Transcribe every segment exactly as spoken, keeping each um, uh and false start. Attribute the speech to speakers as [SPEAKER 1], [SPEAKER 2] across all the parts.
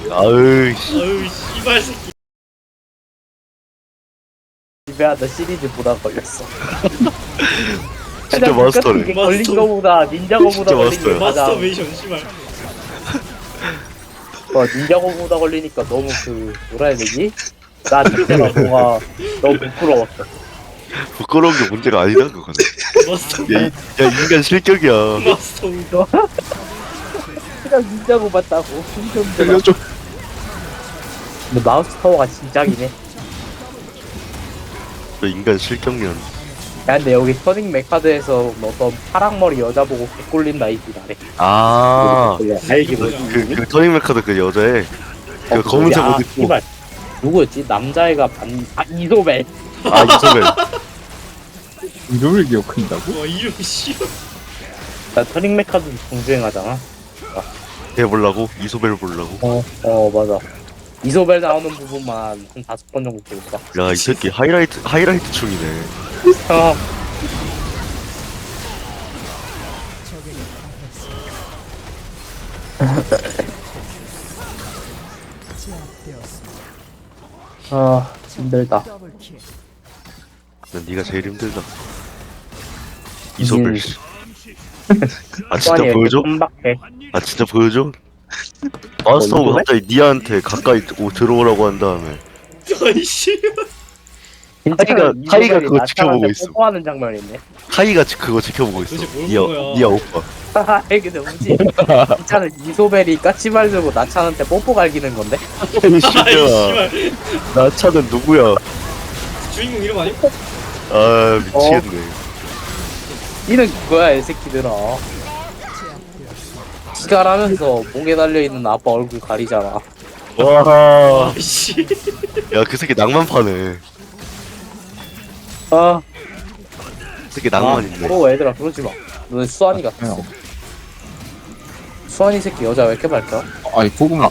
[SPEAKER 1] 아으 씨.
[SPEAKER 2] 아유 씨발 새끼.
[SPEAKER 3] 집에하다 시리즈 보다 걸렸어.
[SPEAKER 1] 진짜 마스터네.
[SPEAKER 3] 이게 걸린
[SPEAKER 2] 마스터.
[SPEAKER 3] 거보다 닌자고보다
[SPEAKER 1] 진짜
[SPEAKER 3] 걸린
[SPEAKER 1] 마스터야.
[SPEAKER 3] 게 가장.
[SPEAKER 2] 마스터베이션 씨발.
[SPEAKER 3] 어, 닌자고보다 걸리니까 너무 그 뭐라 해야 되지? 나 자체가 뭔가 너무 부끄러웠어.
[SPEAKER 1] 부끄러운 게 문제가 아니다 그거는.
[SPEAKER 2] 마스터.
[SPEAKER 1] 야, 이, 야 인간 실격이야.
[SPEAKER 2] 마스터.
[SPEAKER 3] 그냥 닌자고 봤다고.
[SPEAKER 1] 살려줘.
[SPEAKER 3] 근데 마우스 파워가 진짜긴 해.
[SPEAKER 1] 저 인간 실격년.
[SPEAKER 3] 야 근데 여기 터닝 메카드에서 어떤 파랑머리 여자 보고 개꼴린다 이지 나래.
[SPEAKER 1] 아.
[SPEAKER 3] 알기 뭐지?
[SPEAKER 1] 그, 그 터닝 메카드 그 여자애 그 검은색 옷 입고
[SPEAKER 3] 씨발. 누구였지? 남자애가 반.. 아 이소벨.
[SPEAKER 1] 아 이소벨.
[SPEAKER 4] 이름을 기억한다고?
[SPEAKER 2] 와 이름 씨.
[SPEAKER 3] 나 터닝 메카드 정주행하잖아.
[SPEAKER 1] 걔 보려고 이소벨 보려고.
[SPEAKER 3] 어, 어 맞아. 이소벨 나오는 부분만 한 다섯 번 정도 볼까.
[SPEAKER 1] 야 이 새끼 하이라이트 하이라이트 충이네.
[SPEAKER 3] 어. 아 힘들다.
[SPEAKER 1] 난 네가 제일 힘들다. 이소벨 씨. 아 진짜
[SPEAKER 3] 수완이
[SPEAKER 1] 보여줘?
[SPEAKER 3] 깜박해.
[SPEAKER 1] 아 진짜 보여줘? 마스터가
[SPEAKER 3] 이소벨?
[SPEAKER 1] 갑자기 니한테 가까이 오, 들어오라고 한 다음에
[SPEAKER 2] 아이 씨발.
[SPEAKER 1] 타이가-
[SPEAKER 3] 이소벨이
[SPEAKER 1] 타이가 그거
[SPEAKER 3] 나타나는데
[SPEAKER 1] 지켜보고 있어.
[SPEAKER 3] 뽀뽀하는 장면 있네.
[SPEAKER 1] 카이가 지- 그거 지켜보고 있어.
[SPEAKER 2] 도대체 뭘
[SPEAKER 1] 니아
[SPEAKER 2] 본 거야?
[SPEAKER 1] 니아 오빠.
[SPEAKER 3] 하하 근데 뭐지? 진짜는 이소벨이 까치발 들고 나차한테 뽀뽀 갈기는 건데?
[SPEAKER 1] 아이
[SPEAKER 2] 아이
[SPEAKER 1] 씨발.
[SPEAKER 2] 씨발.
[SPEAKER 1] 나 차는 누구야?
[SPEAKER 2] 주인공 이름 아니?
[SPEAKER 1] 아 미치겠네.
[SPEAKER 3] 이는 그거야 이 새끼들아. 기갈하면서 목에 달려있는 아빠 얼굴 가리잖아.
[SPEAKER 1] 와.
[SPEAKER 2] 아이씨.
[SPEAKER 1] 야 그 새끼 낭만 파네.
[SPEAKER 3] 아,
[SPEAKER 1] 그 새끼 낭만 있네.
[SPEAKER 3] 어 얘들아 그러지마. 너네 수환이 같아.
[SPEAKER 4] 어.
[SPEAKER 3] 수환이 새끼 여자 왜 이렇게 밝혀?
[SPEAKER 4] 아니 고구마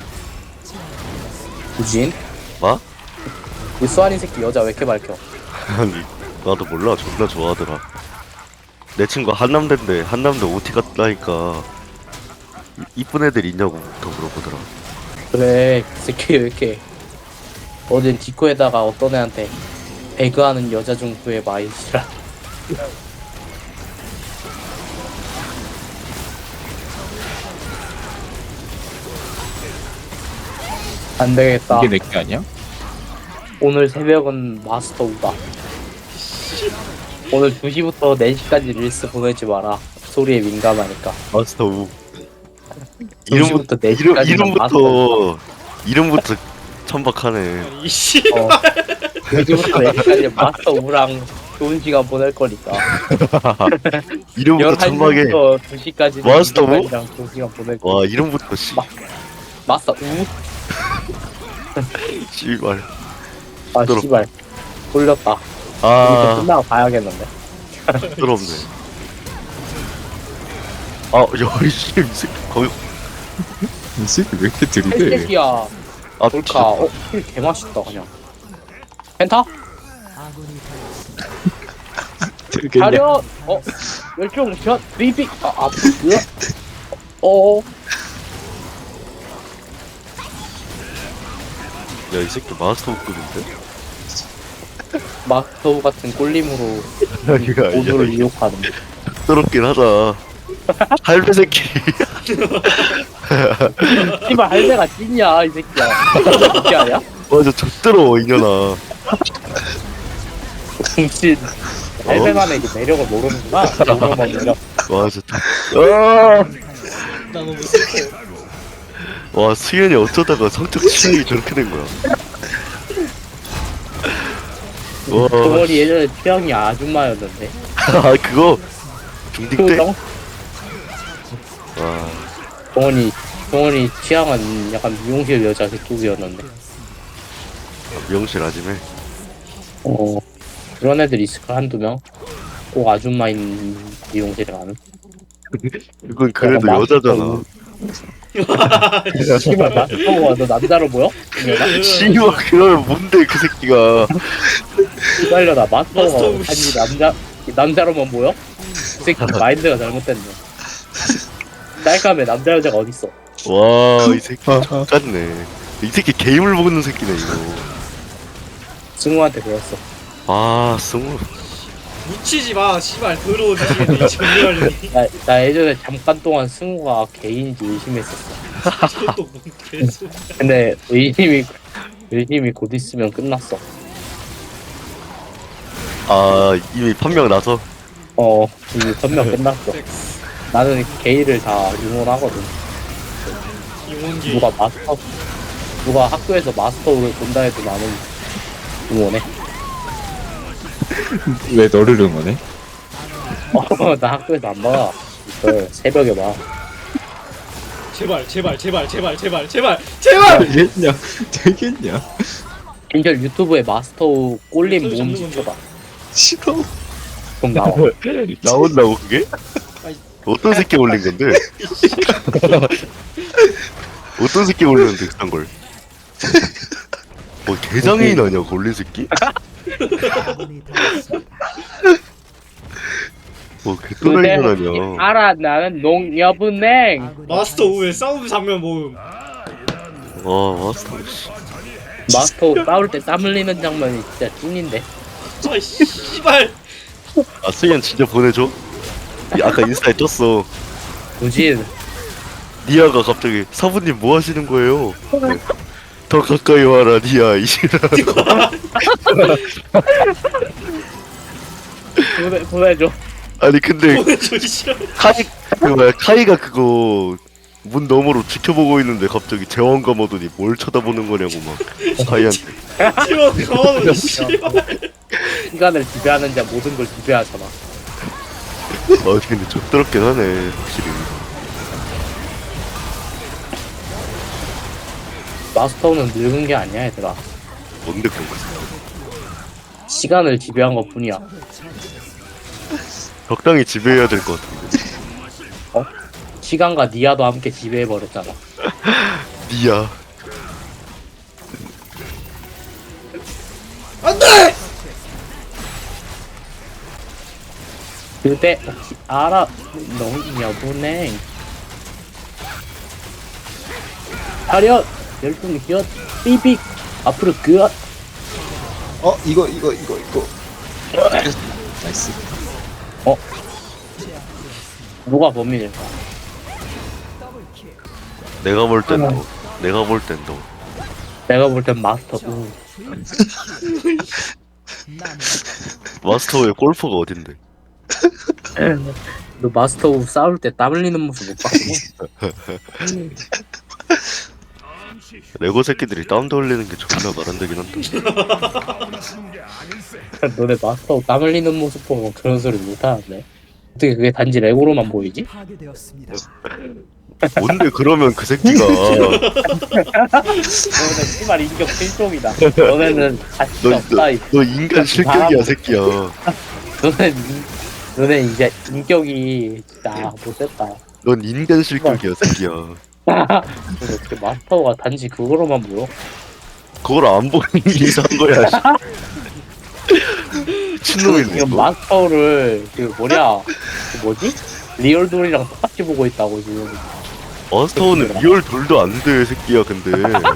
[SPEAKER 3] 우진?
[SPEAKER 1] 뭐?
[SPEAKER 3] 이 수환이 새끼 여자 왜 이렇게 밝혀?
[SPEAKER 1] 아니 나도 몰라. 존나 좋아하더라. 내 친구 한남대인데 한남대 오티 갔다니까 이- 이쁜 애들 있냐고부터 물어보더라.
[SPEAKER 3] 그래 그 새끼 왜 이렇게 어젠 디코에다가 어떤 애한테 배그하는 여자 중 구해봐 이씨라. 안 되겠다.
[SPEAKER 4] 이게 내게 아니야?
[SPEAKER 3] 오늘 새벽은 마스터 우다. 오늘 두 시부터 네 시까지 릴스 보내지 마라. 소리에 민감하니까.
[SPEAKER 1] 마스터 우.
[SPEAKER 3] 두
[SPEAKER 1] 이름부터
[SPEAKER 3] 시부터 네
[SPEAKER 1] 이름,
[SPEAKER 3] 시까지
[SPEAKER 1] 이름부터 이름부터 천박하네.
[SPEAKER 2] 아니 씨.
[SPEAKER 3] 어. 두 시부터 네 시까지 마스터 우랑 좋은 시간 보낼 거니까.
[SPEAKER 1] 이름부터 천박해.
[SPEAKER 3] 열한 시부터 두 시까지
[SPEAKER 1] 마스터 우?
[SPEAKER 3] 랑 좋은 시간 보낼 거니까.
[SPEAKER 1] 와 이름부터 씨.
[SPEAKER 3] 마- 마스터 우?
[SPEAKER 1] 씨발.
[SPEAKER 3] 아
[SPEAKER 1] 시끄럽-
[SPEAKER 3] 씨발. 돌렸다. 이제
[SPEAKER 1] 아
[SPEAKER 3] 끝나고 가야겠는데.
[SPEAKER 1] 부끄럽네. 아, 야, 씨, 이 새끼 거의
[SPEAKER 4] 이 새끼 왜 이렇게
[SPEAKER 3] 헬
[SPEAKER 4] 들이대?
[SPEAKER 3] 새끼야.
[SPEAKER 1] 아,
[SPEAKER 3] 돌카.
[SPEAKER 1] 진짜.
[SPEAKER 3] 어, 힐 개맛있다 그냥. 펜타?
[SPEAKER 4] 들겠냐?
[SPEAKER 3] 가려. 어, 멸종 샷 리빅. 아, 아, 뭐야? 어,
[SPEAKER 1] 야, 이 새끼 마스터급인데?
[SPEAKER 3] 마스터 같은 꼴림으로
[SPEAKER 1] 이거
[SPEAKER 3] 오도를
[SPEAKER 1] 아니야.
[SPEAKER 3] 이용하는.
[SPEAKER 1] 부끄럽긴 하다. 할배 새끼.
[SPEAKER 3] 씨발 할배가 찐이야 이 새끼야. 어떻게 하냐?
[SPEAKER 1] 맞아, 젖들어, 이년아.
[SPEAKER 3] 진 할배만의 그 매력을 모르는구나. 모르는 매력.
[SPEAKER 1] 맞아. 아!
[SPEAKER 2] 나 너무 슬퍼.
[SPEAKER 1] 와, 수현이 어쩌다가 성적 취향이 저렇게 된 거야. 와,
[SPEAKER 3] 동원이 예전에 취향이 아줌마였는데.
[SPEAKER 1] 아, 그거 중딩 때?
[SPEAKER 3] 동
[SPEAKER 1] 와,
[SPEAKER 3] 동원이 동원이 취향은 약간 미용실 여자 그쪽이었는데.
[SPEAKER 1] 미용실 아줌에.
[SPEAKER 3] 어, 그런 애들 있을까 한두 명? 꼭 아줌마인 미용실에 가는.
[SPEAKER 1] 그건 그래도
[SPEAKER 3] 약간
[SPEAKER 1] 여자잖아.
[SPEAKER 3] 씨발 마스터가 너 남자로 보여? 이년아?
[SPEAKER 1] 씨발, 그러면 뭔데, 그 새끼가.
[SPEAKER 3] 기다려라 마스터가
[SPEAKER 2] 마스터
[SPEAKER 3] 아니 남자 남자로만 보여? 이 새끼 마인드가 잘못됐네. 짤감에 남자 여자가 어딨어?
[SPEAKER 1] 와, 이 새끼 X같네. 이 새끼 게임을 먹는 새끼네, 이거.
[SPEAKER 3] 승우한테 배웠어.
[SPEAKER 1] 아, 승우.
[SPEAKER 2] 묻히지 마 씨발 더러워 지겠네 정리하려니.
[SPEAKER 3] 나, 나 예전에 잠깐 동안 승우가 개인인지 의심했었어.
[SPEAKER 2] 또뭔 개소리야.
[SPEAKER 3] 근데 의심이 의심이 곧 있으면 끝났어.
[SPEAKER 1] 아, 이미 판명 나서.
[SPEAKER 3] 어 이미 선명 끝났어. 나는 게이를 다 응원하거든.
[SPEAKER 2] 이원기
[SPEAKER 3] 누가 마스터 누가 학교에서 마스터를 본다 해도 나는 응원해.
[SPEAKER 4] 왜 너를 응원해?
[SPEAKER 3] 어, 나 학교에서 안 봐. 이걸 새벽에 봐.
[SPEAKER 2] 제발 제발 제발 제발 제발 제발 제발.
[SPEAKER 4] 되겠냐? 되겠냐?
[SPEAKER 3] 인절 유튜브에 마스터 꼴림
[SPEAKER 2] 소리
[SPEAKER 3] 모음
[SPEAKER 2] 잡는
[SPEAKER 3] 지켜봐.
[SPEAKER 4] 싫어.
[SPEAKER 3] 그럼 나와.
[SPEAKER 1] 나온다고, 그게?
[SPEAKER 2] 아이.
[SPEAKER 1] 어떤 새끼 올린 건데? 어떤 새끼 올렸는데, 그딴 걸? 뭐, 개장애인 아니야, 걸린 새끼? 뭐, 개또라이는 아니야.
[SPEAKER 3] 알아 나는 농협은행.
[SPEAKER 2] 마스터 후에 싸움 장면 모음.
[SPEAKER 1] 와, 마스터, 씨.
[SPEAKER 3] 마스터 싸울 때 땀 흘리는 장면이 진짜 찐인데.
[SPEAKER 2] 아 씨발.
[SPEAKER 1] 아, 수현 진짜 보내줘? 이 아까 인스타에 떴어.
[SPEAKER 3] 굳이
[SPEAKER 1] 니아가 갑자기 사부님 뭐 하시는 거예요? 더 가까이 와라 니아 이시라.
[SPEAKER 3] 보내, 보내줘.
[SPEAKER 1] 아니 근데
[SPEAKER 2] 보내줘 이 싫어.
[SPEAKER 1] 카이 그 뭐야 카이가 그거 문 너머로 지켜보고 있는데 갑자기 제왕감 오더니 뭘 쳐다보는 거냐고 막 카이한테.
[SPEAKER 2] 지원 가만히 씨발.
[SPEAKER 3] 시간을 지배하는 자 모든 걸 지배하잖아.
[SPEAKER 1] 아 근데 족더럽긴 하네 확실히.
[SPEAKER 3] 마스터는 늙은 게 아니야 얘들아.
[SPEAKER 1] 뭔데 그런 거?
[SPEAKER 3] 시간을 지배한 것 뿐이야.
[SPEAKER 1] 적당히 지배해야 될 것 같은데.
[SPEAKER 3] 시간과 니아도 함께 지배해버렸잖아.
[SPEAKER 1] 니아.
[SPEAKER 2] 안돼.
[SPEAKER 3] 그때 혹시 알아? 농협은행. 차렷! 열중 기엇! 삐빅! 앞으로 그엇!
[SPEAKER 4] 어 이거 이거 이거 이거. 나이스.
[SPEAKER 3] 누가 범인일까?
[SPEAKER 1] 내가 볼 땐 너. 내가 볼 땐 너.
[SPEAKER 3] 내가 볼 땐 마스터. 우.
[SPEAKER 1] 마스터의 골퍼가 어딘데?
[SPEAKER 3] 너 마스터 우 싸울 때 땀 흘리는 모습 못 봤어?
[SPEAKER 1] 레고 새끼들이 다운도 흘리는 게 존나 말 안 되긴 한다.
[SPEAKER 3] 너네 마스터 우 땀 흘리는 모습 보면 그런 소리 못 하는데. 어떻게 그게 단지 레고로만 보이지?
[SPEAKER 1] 뭔데 그러면 그 새끼가
[SPEAKER 3] 너네 씨발 인격 실종이다. 너네는 가치
[SPEAKER 1] 너,
[SPEAKER 3] 없다.
[SPEAKER 1] 너,
[SPEAKER 3] 이-
[SPEAKER 1] 너 인간 실격이야 새끼야.
[SPEAKER 3] 너네 너네 이제 인격이 진짜 못됐다.
[SPEAKER 1] 넌 인간 실격이야 새끼야.
[SPEAKER 3] 어떻게 마스터가 단지 그거로만 보여?
[SPEAKER 1] 그걸 안 보는 게 이상한 거야. 미친놈이네.
[SPEAKER 3] 지금
[SPEAKER 1] 이거.
[SPEAKER 3] 마스터를 그 뭐냐 그 뭐지? 리얼돌이랑 똑같이 보고 있다고 지금.
[SPEAKER 1] 마스터는 리얼 돌도 안 돼 새끼야. 근데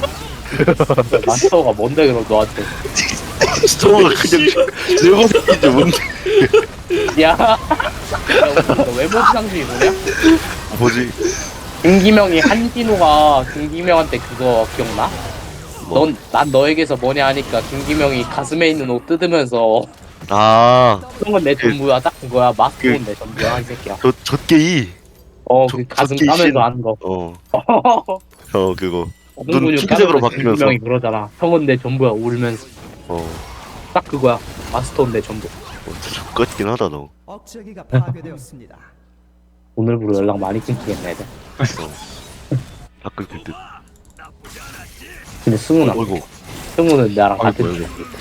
[SPEAKER 3] 마스터가 뭔데 그럼 너한테?
[SPEAKER 1] 마스터가 그냥 레고 새끼인데 뭔데?
[SPEAKER 3] 야, 야, 너 외모 상승이 뭐냐?
[SPEAKER 1] 뭐지?
[SPEAKER 3] 김기명이 한진우가 김기명한테 그거 기억나?
[SPEAKER 1] 뭐?
[SPEAKER 3] 넌 난 너에게서 뭐냐 하니까 김기명이 가슴에 있는 옷 뜯으면서
[SPEAKER 1] 아,
[SPEAKER 3] 형은 내 전부야 딱 그거야. 마스터는
[SPEAKER 1] 그-
[SPEAKER 3] 내 전부야 이 새끼야.
[SPEAKER 1] 저 젖게이.
[SPEAKER 3] 어
[SPEAKER 1] 저-
[SPEAKER 3] 그 가슴
[SPEAKER 1] 저기
[SPEAKER 3] 까면서
[SPEAKER 1] 신-
[SPEAKER 3] 하는 거.
[SPEAKER 1] 어, 어 그거.
[SPEAKER 3] 엉덩이 근육
[SPEAKER 1] 핑크색으로
[SPEAKER 3] 까면서
[SPEAKER 1] 바뀌면서.
[SPEAKER 3] 김기명이 그러잖아. 형은 내 전부야 울면서.
[SPEAKER 1] 어,
[SPEAKER 3] 딱 그거야. 마스터는 내 전부.
[SPEAKER 1] 어 진짜 족같긴 하다 너.
[SPEAKER 5] 억제기가 파괴되었습니다.
[SPEAKER 3] 오늘부로 연락 많이 끊기겠네 애들.
[SPEAKER 1] 가끔 그 듯.
[SPEAKER 3] 근데 승우는 안
[SPEAKER 1] 어이구.
[SPEAKER 3] 승우는 나랑
[SPEAKER 1] 아이고,
[SPEAKER 3] 같은
[SPEAKER 1] 아이고.
[SPEAKER 3] 쪽.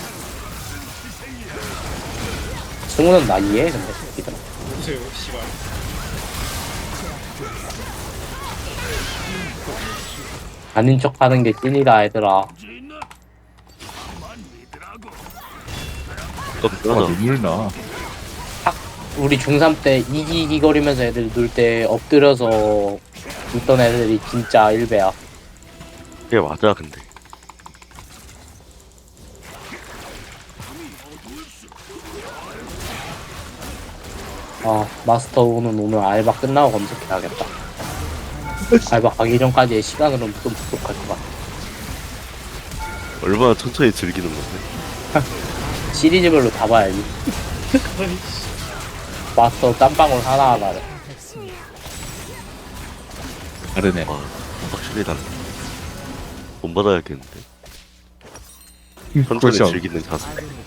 [SPEAKER 3] 승우는 나 이해해 근데 새끼들아.
[SPEAKER 2] 보세요 씨발.
[SPEAKER 3] 아닌 척하는 게 찐이다 얘들아.
[SPEAKER 1] 가끔
[SPEAKER 4] 아
[SPEAKER 1] 하다.
[SPEAKER 4] 눈물 나.
[SPEAKER 3] 우리 중삼 때 이기기거리면서 애들 놀 때 엎드려서 있던 애들이 진짜 일배야.
[SPEAKER 1] 그게 맞아 근데.
[SPEAKER 3] 어, 마스터우는 오늘 알바 끝나고 검색해야겠다. 알바 가기 전까지의 시간으로는 좀 부족할 것 같아.
[SPEAKER 1] 얼마나 천천히 즐기는 건데.
[SPEAKER 3] 시리즈별로 다 봐야지. 마스터 땀방울 하나하나를.
[SPEAKER 4] 다르네.
[SPEAKER 1] 와 확실히 달라. 돈 받아야겠는데. 천천히
[SPEAKER 4] 그렇죠.
[SPEAKER 1] 즐기는 자세.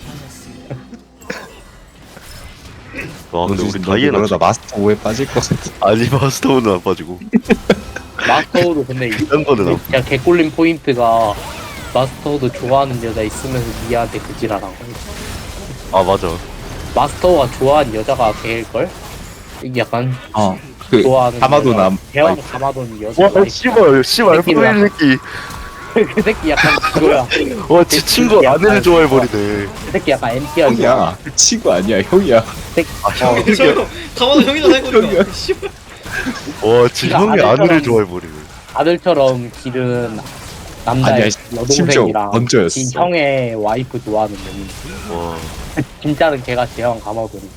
[SPEAKER 1] 와 근데 우리
[SPEAKER 4] 너도
[SPEAKER 1] 다이애나
[SPEAKER 4] 그러다 마스터 오에 빠질 것 같아.
[SPEAKER 1] 아니 마스터는 안 빠지고
[SPEAKER 3] 마스터우도 근데 이-
[SPEAKER 1] 이런 거는 안
[SPEAKER 3] 진짜 개꿀린 포인트가 마스터우도 좋아하는 여자 있으면서 니한테 그지랄한 거야.
[SPEAKER 1] 아 맞아.
[SPEAKER 3] 마스터우가 좋아하는 여자가 걔일걸? 이게 약간
[SPEAKER 4] 어. 그
[SPEAKER 3] 좋아하는
[SPEAKER 4] 가마도
[SPEAKER 3] 여자,
[SPEAKER 4] 남.
[SPEAKER 3] 대왕 가마돈 여자.
[SPEAKER 1] 와 씨발 씨발
[SPEAKER 3] 새끼들아.
[SPEAKER 1] 포일 새끼.
[SPEAKER 3] 그 새끼 약간 그거야.
[SPEAKER 1] 와지 친구 아내를 좋아해 버리네.
[SPEAKER 3] 그 새끼 약간 엠티야.
[SPEAKER 4] 형이야. 그 친구 아니야. 형이야.
[SPEAKER 1] 아 형.
[SPEAKER 2] 저 가만히 형이나 해보니까. 씨발.
[SPEAKER 1] 와지
[SPEAKER 3] 그러니까
[SPEAKER 1] 형이
[SPEAKER 3] 아들처럼-
[SPEAKER 1] 아내를 좋아해 버리네.
[SPEAKER 3] 아들처럼 기른 남자의
[SPEAKER 4] 아니야, 심지어
[SPEAKER 3] 여동생이랑
[SPEAKER 4] 먼저였어.
[SPEAKER 3] 진 형의 와이프 좋아하는 놈이
[SPEAKER 1] 와,
[SPEAKER 3] 진짜는 걔가 대왕 가마돈이.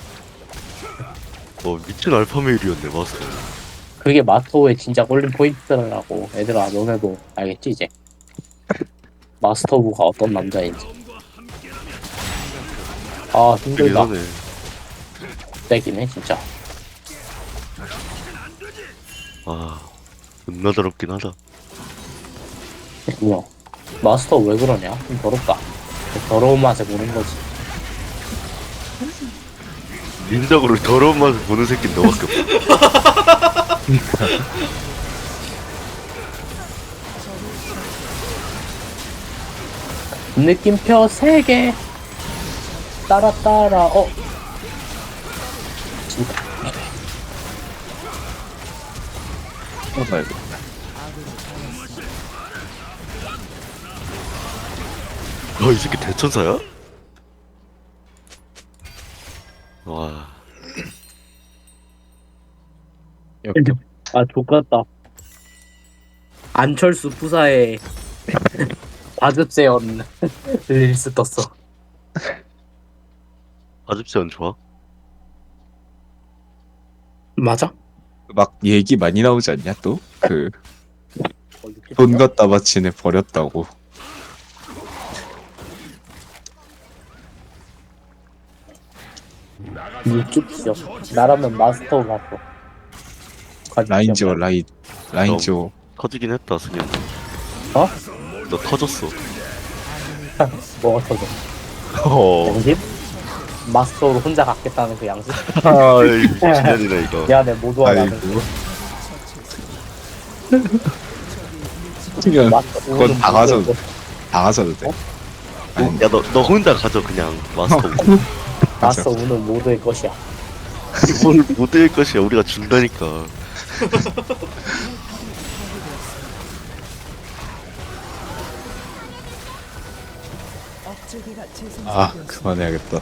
[SPEAKER 1] 와 미친 알파메일이었네 마스터.
[SPEAKER 3] 그게 마스터의 진짜 꼴린 포인트라고. 얘들아 너네도 알겠지 이제. 마스터부가 어떤 남자인지. 아
[SPEAKER 1] 되게
[SPEAKER 3] 힘들다.
[SPEAKER 1] 하네.
[SPEAKER 3] 떼기네 진짜.
[SPEAKER 1] 아 존나 더럽긴 하다.
[SPEAKER 3] 뭐야 마스터 왜 그러냐? 좀 더럽다. 그 더러운 맛에 보는 거지.
[SPEAKER 1] 인적으로 더러운 맛을 보는 새끼는 너밖에 없어.
[SPEAKER 3] 느낌표 세 개. 따라 따라 어. 진짜.
[SPEAKER 4] 봐야겠다.
[SPEAKER 1] 아, 이 새끼 대천사야? 와,
[SPEAKER 3] 아 족같다. 안철수 부사에 바즙세연 릴스 떴어.
[SPEAKER 1] 아집세안 좋아?
[SPEAKER 3] 맞아?
[SPEAKER 4] 막 얘기 많이 나오지 않냐 또? 그
[SPEAKER 3] 어, 육십
[SPEAKER 4] 돈
[SPEAKER 3] 년?
[SPEAKER 4] 갖다 바치네 버렸다고.
[SPEAKER 3] 육십 년. 나라면 마스터 갔어.
[SPEAKER 4] 라인 지워 라인 라인 지워.
[SPEAKER 1] 터지긴 했다, 승현.
[SPEAKER 3] 어?
[SPEAKER 1] 너 터졌어.
[SPEAKER 3] 뭐가 터져?
[SPEAKER 1] 어,
[SPEAKER 3] 양심? 마스터로 혼자 갖겠다는 그 양심?
[SPEAKER 1] 아이, 진현이네, 이거.
[SPEAKER 3] 미안해 모두와 나는.
[SPEAKER 4] 아이고. 그냥
[SPEAKER 3] 마스터
[SPEAKER 4] 그건 다 가져도 다 가져도 돼. 아니,
[SPEAKER 1] 야, 너, 너 혼자 가져, 그냥, 마스터.
[SPEAKER 3] 마스터 오늘 모두의 것이야.
[SPEAKER 1] 뭘 못할 것이야, 우리가 준다니까.
[SPEAKER 5] 억제기가
[SPEAKER 4] 아
[SPEAKER 5] 재생되었습니다.
[SPEAKER 4] 그만해야겠다.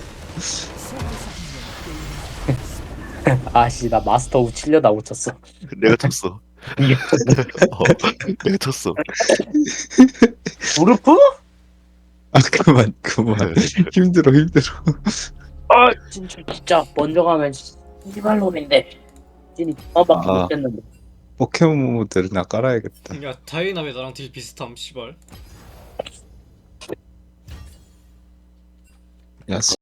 [SPEAKER 3] 아씨 나 마스터 우 칠려다 못 쳤어.
[SPEAKER 1] 내가 쳤어.
[SPEAKER 3] 이게
[SPEAKER 1] 어, 내가 쳤어.
[SPEAKER 3] 무르프?
[SPEAKER 4] 아 그만 그만. 힘들어 힘들어.
[SPEAKER 3] 아 진짜 진짜 먼저 가면 씨발놈인데 찐이 뒷밥밖에
[SPEAKER 4] 아.
[SPEAKER 3] 못했는데.
[SPEAKER 4] 포켓몬 모드를 나 깔아야겠다.
[SPEAKER 2] 야 다이나 왜 나랑 딜 비슷함 씨발.
[SPEAKER 4] 야